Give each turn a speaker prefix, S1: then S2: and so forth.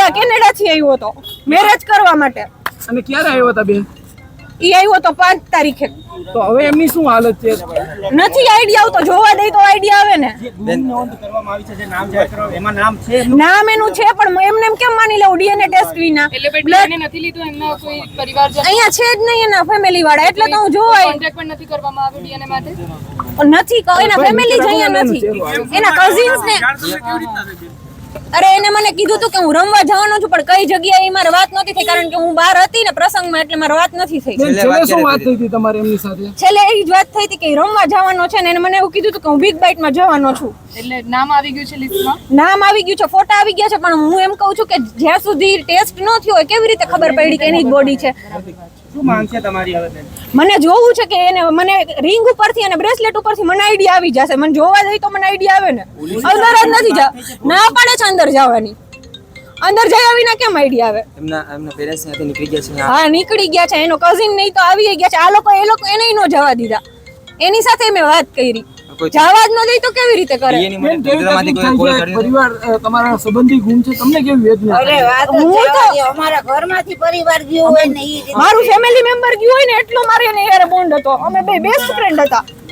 S1: આ કેનેડા થી આવ્યો હતો મેરેજ કરવા માટે.
S2: અને ક્યારે આવ્યો હતા બેન?
S1: ઈ આવ્યો તો 5 તારીખે.
S2: તો હવે એમની શું હાલત છે?
S1: નથી આઈડિયા આવતો, જોવા દે તો આઈડિયા આવે ને.
S3: નોંધ કરવામાં આવી છે જે નામ જાહેર કરવા એમાં નામ છે,
S1: નામ એનું છે પણ એમને એમ કેમ માની લઉં ડીએનએ ટેસ્ટ વિના?
S4: એટલે નથી લીધું એમના કોઈ પરિવારજન
S1: અહીંયા છે જ નહીં એના ફેમિલી વાળા, એટલે તો હું જોવાય
S4: કોન્ટેક્ટ પણ નથી કરવામાં આવ્યો ડીએનએ માટે.
S1: નથી એના ફેમિલી જ અહીંયા નથી, એના કઝિન્સ ને. અરે એને મને કીધું તું કે હું રમવા જવાનો છું, પણ કઈ જગ્યાએ મારે વાત નથી થઈ કારણ કે હું બહાર હતી ને પ્રસંગમાં, એટલે મારે વાત નથી થઈ.
S2: છેલ્લે શું વાત થઈ હતી તમારે એમની સાથે?
S1: છેલ્લે એ જ વાત થઈ હતી કે રમવા જવાનો છે ને એને મને એવું કીધું હતું કે હું બિગ બાઇટમાં જવાનો છું.
S4: એટલે નામ આવી ગયું છે લિસ્ટમાં,
S1: નામ આવી ગયું છે, ફોટા આવી ગયા છે, પણ હું એમ કહું છું કે જ્યાં સુધી ટેસ્ટ ન થયો હોય કેવી રીતે ખબર પડી કે એની જ બોડી છે?
S3: શું માંગ છે તમારી હવે બેન?
S1: મને જોવું છે કે એને મને રિંગ ઉપરથી અને બ્રેસલેટ ઉપરથી મને આઈડિયા આવી જશે. મને જોવા જઈ તો મને આઈડિયા આવે ને. અંદર જ નથી જા, ના પાડે છે અંદર જવાની. અંદર જયા વિના કેમ આઈડિયા આવે?
S5: એમના પેરેન્ટ્સ ત્યાંથી નીકળી ગયા છે.
S1: હા નીકળી ગયા છે, એનો કઝિન નહીં તો આવી ગયા છે. આ લોકો એને નો જવા દીધા, એની સાથે મેં વાત કરી. જવા જ ન દઈ તો કેવી રીતે કરે?
S2: પરિવાર તમારા સંબંધી ગુમ છે, તમને કેવી વેદના?
S6: અમારા ઘરમાંથી પરિવાર ગયો હોય ને
S1: મારું ફેમિલી મેમ્બર ગયું હોય ને એટલો મારે એને યાર બોન્ડ હતો. અમે બે બેસ્ટ ફ્રેન્ડ હતા.